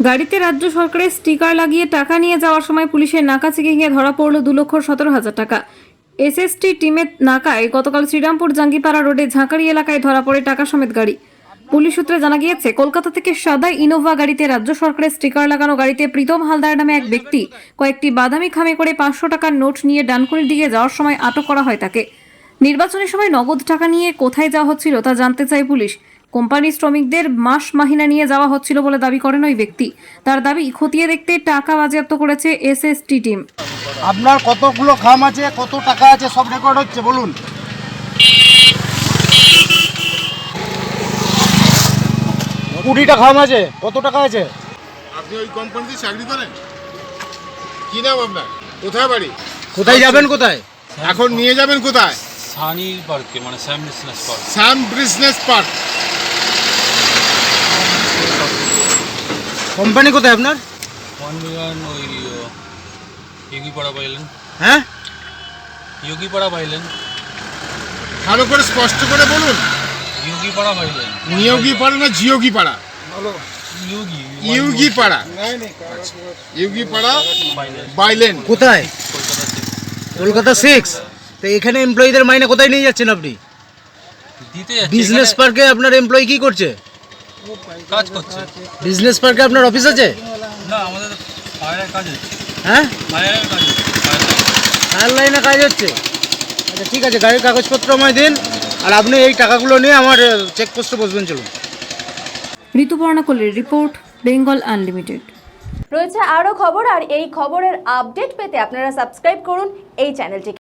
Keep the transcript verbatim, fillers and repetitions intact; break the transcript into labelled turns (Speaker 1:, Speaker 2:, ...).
Speaker 1: গাড়িতে রাজ্য সরকারের স্টিকার লাগিয়ে টাকা নিয়ে যাওয়ার সময় পুলিশের নাকা চেকিংয়ে ধরা পড়ল দু লক্ষ সতেরো হাজার টাকা। এসএসটি টিমের নাকায় গতকাল শ্রীরামপুর জাঙ্গিপাড়া রোডে ঝাঁকারি এলাকায় ধরা পড়ে টাকা সমেত গাড়ি। পুলিশ সূত্রে জানা গিয়েছে, কলকাতা থেকে সাদা ইনোভা গাড়িতে রাজ্য সরকারের স্টিকার লাগানো গাড়িতে প্রীতম হালদার নামে এক ব্যক্তি কয়েকটি বাদামি খামে করে পাঁচশো টাকার নোট নিয়ে ডানকুনির দিকে যাওয়ার সময় আটক করা হয় তাকে। নির্বাচনের সময় নগদ টাকা নিয়ে কোথায় যাওয়া হচ্ছিল তা জানতে চায় পুলিশ। কোম্পানি শ্রমিকদের মাস মাহিনা নিয়ে যাওয়া হচ্ছিল বলে দাবি করেন ওই ব্যক্তি। তার দাবি, খতিয়ে দেখতে টাকা বাজেয়াপ্ত করেছে এসএসটি টিম।
Speaker 2: আপনার কতগুলো খাম আছে, কত টাকা আছে, সব রেকর্ড হচ্ছে, বলুন। কুড়িটা খাম আছে, কত টাকা আছে?
Speaker 3: আপনি ওই কোম্পানিতে চাকরি করেন? কি নাম আপনার? কোথায় বাড়ি?
Speaker 2: কোথায় যাবেন? কোথায়
Speaker 3: এখন নিয়ে যাবেন? কোথায়?
Speaker 4: সানি পার্কে, মানে Sam business park.
Speaker 3: Sam business park.
Speaker 2: Company কোথায় আপনার?
Speaker 4: ওয়ান মিলিয়ন ওই ইয়োগিপাড়া পাইলেন।
Speaker 2: হ্যাঁ,
Speaker 4: ইয়োগিপাড়া পাইলেন।
Speaker 3: ভালো করে স্পষ্ট করে বলুন।
Speaker 4: ইয়োগিপাড়া পাইলেন।
Speaker 3: নিয়োগী পাড়া না জিয়োগী পাড়া?
Speaker 4: ইয়োগি
Speaker 3: ইয়োগী পাড়া। ইয়োগী পাড়া বাইলেন।
Speaker 2: কোথায়?
Speaker 4: কলকাতা থেকে।
Speaker 2: কলকাতা সিক্স। তো এখানে এমপ্লয়ীদের মাইনে কোথায় নিয়ে যাচ্ছেন আপনি?
Speaker 4: দিতে যাচ্ছে।
Speaker 2: বিজনেস
Speaker 4: এখানে
Speaker 2: পার্কে আপনার এমপ্লয়ি কি করছে?
Speaker 4: কাজ করছে।
Speaker 2: বিজনেস পার্কে আপনার অফিস আছে?
Speaker 4: না, আমাদের ফায়ারের কাজ হচ্ছে।
Speaker 2: হ্যাঁ,
Speaker 4: ফায়ারের কাজ হচ্ছে। ফায়ার
Speaker 2: ফায়ার লাইনে কাজ হচ্ছে। আচ্ছা, ঠিক আছে, গাড়ির কাগজপত্র আমায় দিন, আর আপনি এই টাকাগুলো নিয়ে আমার চেকপোস্টে বসবেন। চলুন।
Speaker 1: ঋতুপর্ণা কোলের রিপোর্ট, বেঙ্গল আনলিমিটেড।
Speaker 5: রয়েছে আরও খবর, আর এই খবরের আপডেট পেতে আপনারা সাবস্ক্রাইব করুন এই চ্যানেলটিকে।